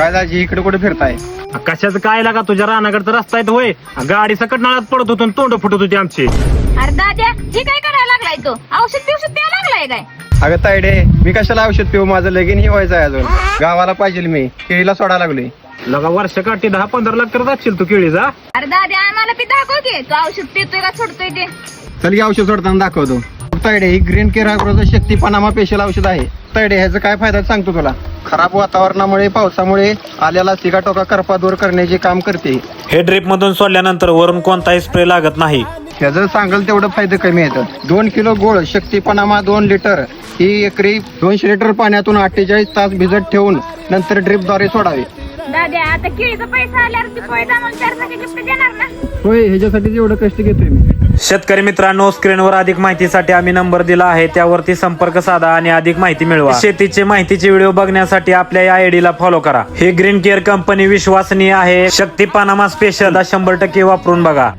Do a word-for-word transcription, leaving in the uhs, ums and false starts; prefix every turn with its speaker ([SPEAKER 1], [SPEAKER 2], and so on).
[SPEAKER 1] काय दाजी इकडे कुठे फिरताय?
[SPEAKER 2] कशाचं काय लागा तुझ्या रानाकडचा रस्ता आहे होय? गाडी सकट नाळात पडत होतो तोंड फुटत होती आमची.
[SPEAKER 3] अरे दाद्या हे काय करायला लागलाय तो? औषध बिवषध द्यायला लागलाय काय?
[SPEAKER 1] अगं तायडे, मी कशाला औषध पिऊ? माझं लगीन ही व्हायचं आहे अजून. गावाला पाहिजे मी, केळीला सोडा लागलोय.
[SPEAKER 2] लगा वर्ष काठी दहा पंधरा लाख करत असशील तू केळीचा.
[SPEAKER 3] अरे दाद्या आम्हाला बी दाखव की तू औषध पितोय का सोडतोय ते.
[SPEAKER 1] चल की औषध सोडताना दाखवतो. तायडे, ही ग्रीन केअर अग्रोचं शक्ती पनामा स्पेशल औषध आहे. तायडे, ह्याचा काय फायदा सांगतो तुला. खराब वातावरणामुळे पावसामुळे आल्याला सिगाटोका करपा दूर करण्याचे काम करते.
[SPEAKER 2] हे ड्रिप मधून सोडल्यानंतर वरून कोणताही स्प्रे लागत नाही.
[SPEAKER 1] ह्याचं सांगाल तेवढं फायदे कमी येतात. दोन किलो गोळ शक्ती पनामा दोन लिटर ही एकरी दोनशे लिटर पाण्यातून अठ्ठेचाळीस तास भिजत ठेवून नंतर ड्रिपद्वारे सोडावे.
[SPEAKER 3] दाद्या आता केळीचा पैसा आल्यावर ती पैसा आम्हाला चार चाकी गिफ्ट देणार ना?
[SPEAKER 1] होय, ह्याच्यासाठी एवढं कष्ट घेतोय मी.
[SPEAKER 2] शेतकरी मित्रांनो, स्क्रीनवर अधिक माहितीसाठी आम्ही नंबर दिला आहे, त्यावरती संपर्क साधा आणि अधिक माहिती मिळवा. शेतीचे माहितीचे व्हिडिओ बघण्यासाठी आपल्या या आयडीला फॉलो करा. ही ग्रीन केअर कंपनी विश्वसनीय आहे. शक्ती पनामा स्पेशल शंभर टक्के वापरून बघा.